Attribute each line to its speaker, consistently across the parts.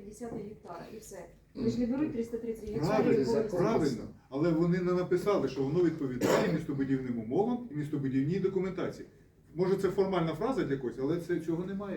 Speaker 1: 350 гектара і все. Вони ж не беруть 330 гектарів.
Speaker 2: Правильно, правильно. Але вони не написали, що воно відповідає містобудівним умовам і містобудівній документації. Може це формальна фраза для когось, але цього немає.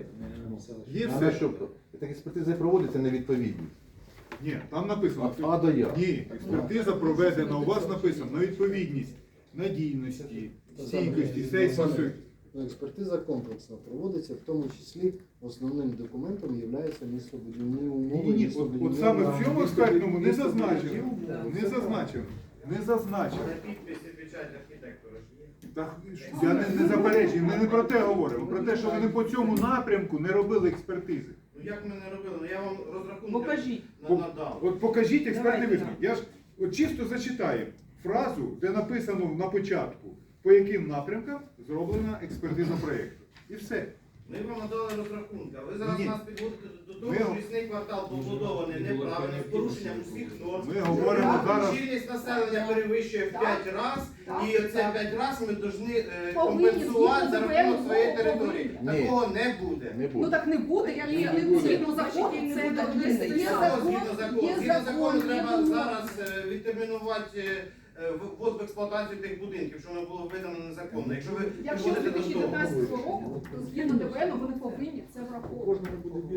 Speaker 2: Є
Speaker 3: Але
Speaker 2: все.
Speaker 3: що? Так експертиза проводиться невідповідність.
Speaker 2: Ні, там написано.
Speaker 3: Від А до Я.
Speaker 2: Ні, експертиза проведена, у вас написано на відповідність, надійності, стійкості, сейсмосу.
Speaker 4: Експертиза комплексна проводиться, в тому числі основним документом є містобудівні умови.
Speaker 2: Ні, от саме в цьому експертному не зазначено. Не зазначено. Не зазначено.
Speaker 5: Підписи, печать архітектора ж є.
Speaker 2: Так, я не заперечую, ми не про те говоримо, про те, що вони по цьому напрямку не робили експертизи.
Speaker 5: Ну як ми не робили? Ну я вам розрахунки
Speaker 6: Покажіть.
Speaker 5: надав.
Speaker 2: От покажіть експертний
Speaker 6: Давайте,
Speaker 2: висновок. Я ж от чисто зачитаю фразу, де написано на початку, по яким напрямкам зроблена експертиза проєкту. І все.
Speaker 5: Ми вам надали розрахунки, а ви зараз
Speaker 2: Ні.
Speaker 5: нас підводите до того,
Speaker 2: Ми-
Speaker 5: що лісний квартал побудований неправильно, з порушенням усіх норм.
Speaker 2: Ми говоримо зараз.
Speaker 5: Щільність населення перевищує в 5 разів, і оце 5 разів ми повинні
Speaker 1: Повинні
Speaker 5: компенсувати за
Speaker 1: згідно
Speaker 5: рахунок
Speaker 1: ДБН,
Speaker 5: своєї
Speaker 1: повинні.
Speaker 5: території.
Speaker 3: Ні.
Speaker 5: Такого не буде.
Speaker 3: Не
Speaker 6: Ну
Speaker 3: буде.
Speaker 6: так не буде,
Speaker 1: Так,
Speaker 6: і
Speaker 1: не буде.
Speaker 6: згідно закону
Speaker 1: Значить,
Speaker 6: це
Speaker 1: не
Speaker 6: так
Speaker 1: буде.
Speaker 6: не
Speaker 1: Є
Speaker 6: стає.
Speaker 1: закон.
Speaker 5: Згідно закону.
Speaker 1: є
Speaker 5: Згідно закону
Speaker 1: закон,
Speaker 5: треба
Speaker 1: є
Speaker 5: зараз відтермінувати ввод в експлуатацію тих будинків, що воно було видано незаконно. Якщо ви
Speaker 1: Якщо з
Speaker 5: підводите до того.
Speaker 1: 2019 року, то згідно ДБН вони повинні це враховувати.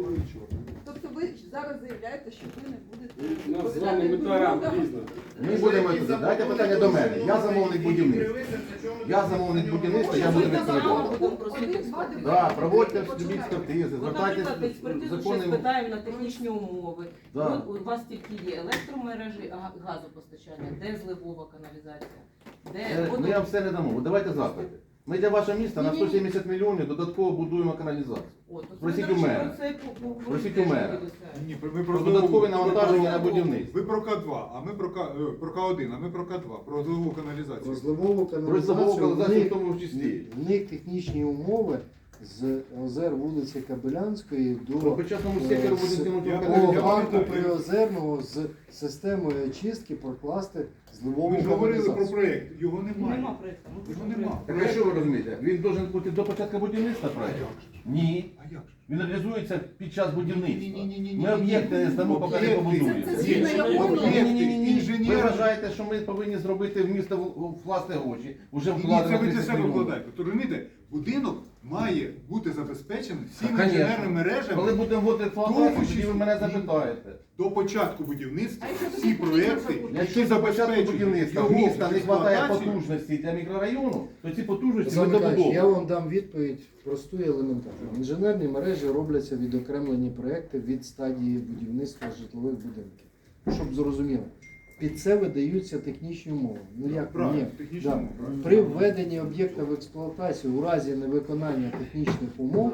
Speaker 1: Тобто ви зараз заявляєте, що ви не будете...
Speaker 7: У нас з вами мета різна.
Speaker 3: Ми будемо туди. Дайте питання до мене. Я замовник будівництва. Я замовник будівництва, я буду відповідати. Да, проводьте любі експертизи,
Speaker 6: От,
Speaker 3: звертайтесь
Speaker 6: наприклад, експертизу ще
Speaker 3: законним.
Speaker 6: спитаємо на технічні умови.
Speaker 3: Да.
Speaker 6: От у вас тільки є електромережі, газопостачання, де зливова каналізація, де
Speaker 3: Ми вам все не дамо. От давайте запити. Ми для вашого міста на 170 мільйонів додатково будуємо каналізацію. Просіть у мене. Просіть у мене.
Speaker 2: Ні, ви
Speaker 3: Про
Speaker 2: про
Speaker 3: додаткове навантаження на будівництво.
Speaker 2: Ви про К2, а ми про К1, а ми про К2, про зливову каналізацію.
Speaker 4: Розливову
Speaker 3: Про
Speaker 4: каналізацію,
Speaker 3: зливову каналізацію в
Speaker 4: в
Speaker 3: тому числі.
Speaker 4: них технічні умови з озер вулиці Кабелянської
Speaker 3: По
Speaker 4: до
Speaker 3: почасному сектору буде тягнути
Speaker 2: Я
Speaker 4: парку
Speaker 2: пам'ятаю.
Speaker 4: Приозерного з системою очистки прокласти зливову
Speaker 2: Ми ж говорили про
Speaker 4: каналізацію.
Speaker 2: проєкт, його немає.
Speaker 6: Нема проєкту.
Speaker 2: Його нема.
Speaker 3: Так а що ви розумієте? Він должен бути до початку будівництва проєкт? Ні.
Speaker 2: А як же?
Speaker 3: Він реалізується під час будівництва.
Speaker 2: Ні-ні-ні-ні-ні.
Speaker 3: Ми об'єкти не здамо, поки не
Speaker 2: Об'єкти.
Speaker 3: побудуємо.
Speaker 1: Це згідно якого?
Speaker 3: Ні-ні-ні. Ви
Speaker 2: Інженер.
Speaker 3: вважаєте, що ми повинні зробити в місто власне гроші, вже
Speaker 2: Ні, це
Speaker 3: вкладено
Speaker 2: ви для
Speaker 3: 30
Speaker 2: себе
Speaker 3: мільйонів.
Speaker 2: вкладаєте. То розумієте, будинок має бути забезпечений всіми
Speaker 3: Конечно.
Speaker 2: інженерними мережами
Speaker 3: Коли будемо вводити експлуатацію, тоді ви мене
Speaker 2: Ні.
Speaker 3: запитаєте.
Speaker 2: до початку будівництва.
Speaker 1: А якщо
Speaker 2: Всі
Speaker 1: тоді
Speaker 2: проєкти,
Speaker 1: потрібно
Speaker 3: Якщо
Speaker 2: які
Speaker 3: до початку
Speaker 2: забезпечують
Speaker 3: будівництва в
Speaker 2: його
Speaker 3: міста не вистачає
Speaker 2: експлуатацію,
Speaker 3: потужності для мікрорайону, то ці потужності ми
Speaker 4: Олександр Миколаївич, я
Speaker 3: добудовуємо.
Speaker 4: вам дам відповідь просту і елементарну. Інженерні мережі робляться відокремлені проекти від стадії будівництва житлових будинків. Щоб зрозуміло, під це видаються технічні умови. Ну як
Speaker 2: правильно,
Speaker 4: ні?
Speaker 2: технічні
Speaker 4: Да.
Speaker 2: умови, правильно.
Speaker 4: При введенні об'єкта в експлуатацію у разі невиконання технічних умов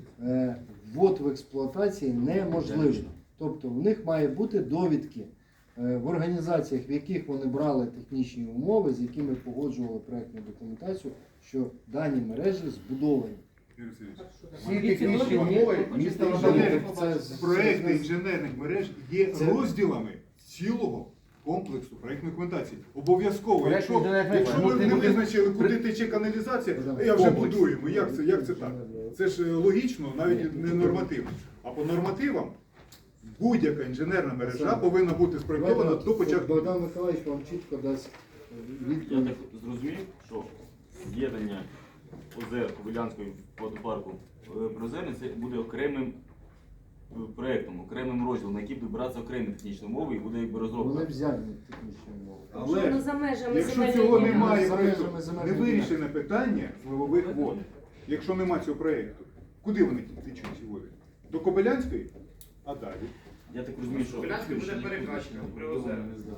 Speaker 4: ввод в експлуатації неможливий. Тобто в них має бути довідки в організаціях, в яких вони брали технічні умови, з якими погоджували проєктну документацію, що дані мережі збудовані.
Speaker 2: Юрій Васильович,
Speaker 3: Всі технічні умови міста
Speaker 2: Інженери,
Speaker 3: надають.
Speaker 2: проекти інженерних мереж є
Speaker 4: Це-
Speaker 2: розділами цілого комплексу проєктної документації. Обов'язково,
Speaker 3: Проект
Speaker 2: якщо
Speaker 3: інженерних мереж
Speaker 2: ви
Speaker 3: може
Speaker 2: не
Speaker 3: бути
Speaker 2: визначили, куди тече каналізація, я вже
Speaker 3: Комплекс.
Speaker 2: будуємо. Як це так? Це ж логічно, навіть не нормативно. А по нормативам будь-яка інженерна мережа повинна бути спроєктована до початку.
Speaker 4: Богдан Миколаївич вам чітко дасть
Speaker 8: Я
Speaker 4: відповідь.
Speaker 8: так зрозумів, що з'єднання озер Кобилянської водопарку Приозерне це буде окремим проєктом, окремим розділом, на який буде братися окремі технічні умови і буде якби розробка.
Speaker 4: Вони взяли технічні умови.
Speaker 2: Але
Speaker 1: за межами
Speaker 2: якщо цього немає,
Speaker 4: За
Speaker 2: проєкту,
Speaker 4: межами
Speaker 2: не
Speaker 4: земельної
Speaker 2: вирішене питання зливових вод. Якщо немає цього проєкту, куди вони течуть ці води? До Кобилянської? А далі?
Speaker 8: Я так розумію, що
Speaker 5: Кобилянський буде перекачка при озерах.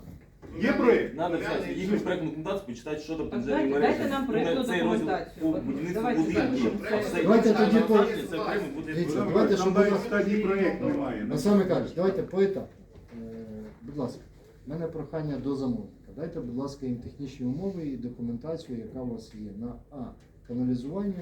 Speaker 2: Є проєкт?
Speaker 8: треба взяти їхню проєктну документацію, почитати, що там підземні
Speaker 6: Дайте
Speaker 8: мережі.
Speaker 6: нам проєктну
Speaker 8: Цей розділ
Speaker 6: документацію.
Speaker 8: по будівництву
Speaker 6: Давайте
Speaker 8: будинків.
Speaker 6: так,
Speaker 8: А все
Speaker 4: Давайте
Speaker 8: інше,
Speaker 4: тоді по-
Speaker 8: це окремо буде.
Speaker 4: Дивіться,
Speaker 2: Нам
Speaker 4: давайте, щоб
Speaker 2: навіть
Speaker 4: було-
Speaker 2: в стадії проєкту немає.
Speaker 4: Олександр Миколаївич, давайте поетапно. Будь ласка, в мене прохання до замовника. Дайте, будь ласка, їм технічні умови і документацію, яка у вас є на каналізування,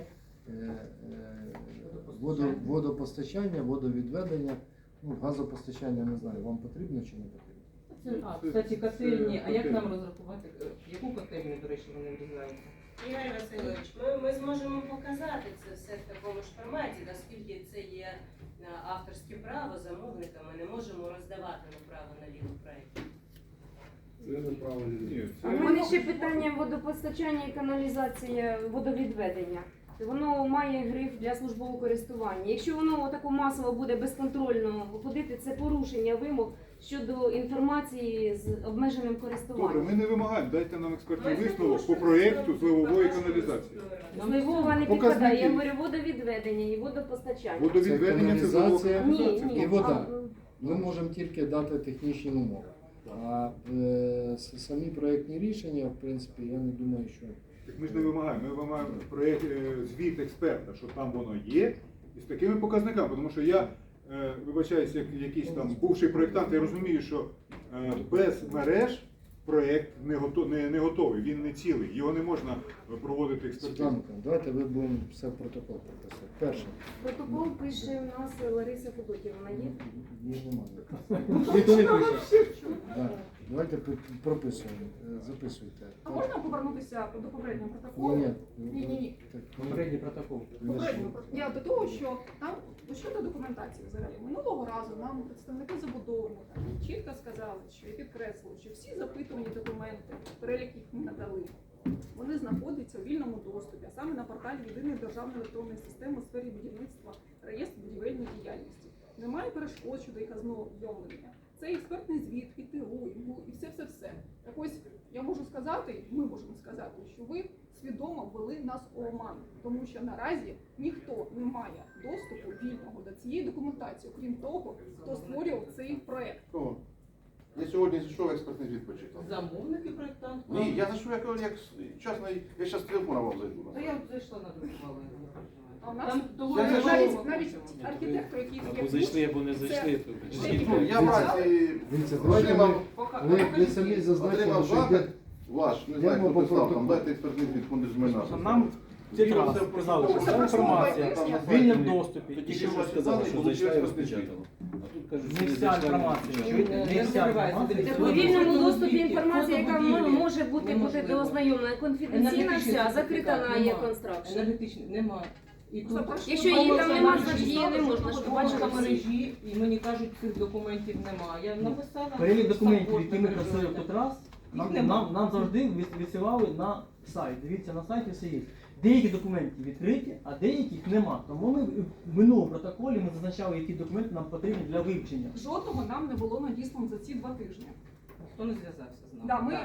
Speaker 4: водопостачання, водовідведення, газопостачання, не знаю, вам потрібно чи не потрібно?
Speaker 6: Кстати, котельні, а як нам розрахувати, яку котельню, до речі, вони врізаються?
Speaker 9: Ігор Васильович, ми зможемо показати це все в такому ж форматі, оскільки це є авторське право замовника, ми не можемо роздавати направо-наліво проєкт.
Speaker 7: Це неправильно.
Speaker 2: Ні,
Speaker 10: А в мене ще питання водопостачання і каналізація водовідведення. Воно має гриф для службового користування. Якщо воно тако масово буде безконтрольно ходити, це порушення вимог щодо інформації з обмеженим
Speaker 2: Добре,
Speaker 10: користуванням.
Speaker 2: ми не вимагаємо, дайте нам експертний висновок по проєкту зливової каналізації.
Speaker 10: Зливова не
Speaker 2: Показники.
Speaker 10: підпадає, я говорю водовідведення і водопостачання.
Speaker 2: Водовідведення це зливова
Speaker 4: каналізація
Speaker 10: Ні,
Speaker 2: каналізація.
Speaker 10: ні.
Speaker 4: і вода.
Speaker 10: а,
Speaker 4: Ми можемо тільки дати технічні умови. А самі проєктні рішення, в принципі, я не думаю, що
Speaker 2: Так ми ж не вимагаємо, ми вимагаємо проєкт, звіт експерта, що там воно є, і з такими показниками. Тому що я, вибачаюсь, як якийсь там бувший проєктант, я розумію, що без мереж проєкт не готовий, він не цілий, його не можна проводити експертизу.
Speaker 4: Світланка, давайте ви будемо все в протокол прописати. Перше,
Speaker 10: Протокол пише у нас Лариса Федотів, вона є?
Speaker 4: її немає. Да. Давайте прописуємо, записуйте.
Speaker 1: А можна повернутися до попереднього протоколу?
Speaker 4: Ні.
Speaker 1: Ні.
Speaker 4: Так,
Speaker 3: Попередній протокол.
Speaker 1: Я до того, що там щодо документації взагалі минулого разу нам представники забудовника чітко сказали, що і підкреслили, що всі запитувані документи, перелік їх ми надали, вони знаходяться у вільному доступі, а саме на порталі Єдиної державної електронної системи у сфері будівництва, реєстр будівельної діяльності. Немає перешкод щодо їх ознайомлення. Це експертний звіт, і ТУ, і все-все-все. Так ось я можу сказати, ми можемо сказати, що ви свідомо ввели нас у оман, тому що наразі ніхто не має доступу вільного до цієї документації, окрім того, хто створював цей проект.
Speaker 3: Кого? Я сьогодні зайшов експертний звіт почитав.
Speaker 6: Замовник і проєктант.
Speaker 3: Ні, я зайшов як частний, я зараз з телефона вам зайду.
Speaker 6: Та я зайшла на другу хвилину.
Speaker 1: А у нас
Speaker 6: Там того
Speaker 3: Я
Speaker 1: навіть архітектор, який
Speaker 7: Або зайшли, або не зайшли.
Speaker 3: Ну, я вранці
Speaker 4: Дивіться, давайте ми, ви самі зазначили,
Speaker 3: отримав
Speaker 4: що
Speaker 3: запит
Speaker 4: йде
Speaker 3: ваш, не
Speaker 4: Я
Speaker 3: знаю, хто
Speaker 4: можу
Speaker 3: писав, там
Speaker 4: протокол.
Speaker 3: дайте експертний звіт, фонди з майна.
Speaker 11: Нам тільки сказали, що вся інформація в вільному доступі.
Speaker 3: Тоді що ви сказали, що зайшли розпечатали.
Speaker 11: Не вся інформація. Чуєте? Не вся інформація.
Speaker 10: Так у вільному доступі інформація, яка може бути до ознайомлена, конфіденційна вся, закрита на є-констракшн.
Speaker 6: Енергетичний немає. І тут,
Speaker 10: Якщо її там нема, значить її не можна ж
Speaker 6: побачила
Speaker 10: побачити.
Speaker 6: мережі, і мені кажуть, цих документів немає. Я написала.
Speaker 11: Перелік документів,
Speaker 6: саппорт
Speaker 11: які ми
Speaker 6: написала.
Speaker 11: просили тут раз,
Speaker 6: Їх нема.
Speaker 11: нам завжди висилали на сайт. Дивіться, на сайті все є. Деякі документи відкриті, а деяких нема. Тому ми в минулому протоколі ми зазначали, які документи нам потрібні для вивчення.
Speaker 1: Жодного нам не було надіслано за ці 2 тижні.
Speaker 6: Ніхто не зв'язався з нами.
Speaker 1: Да, ми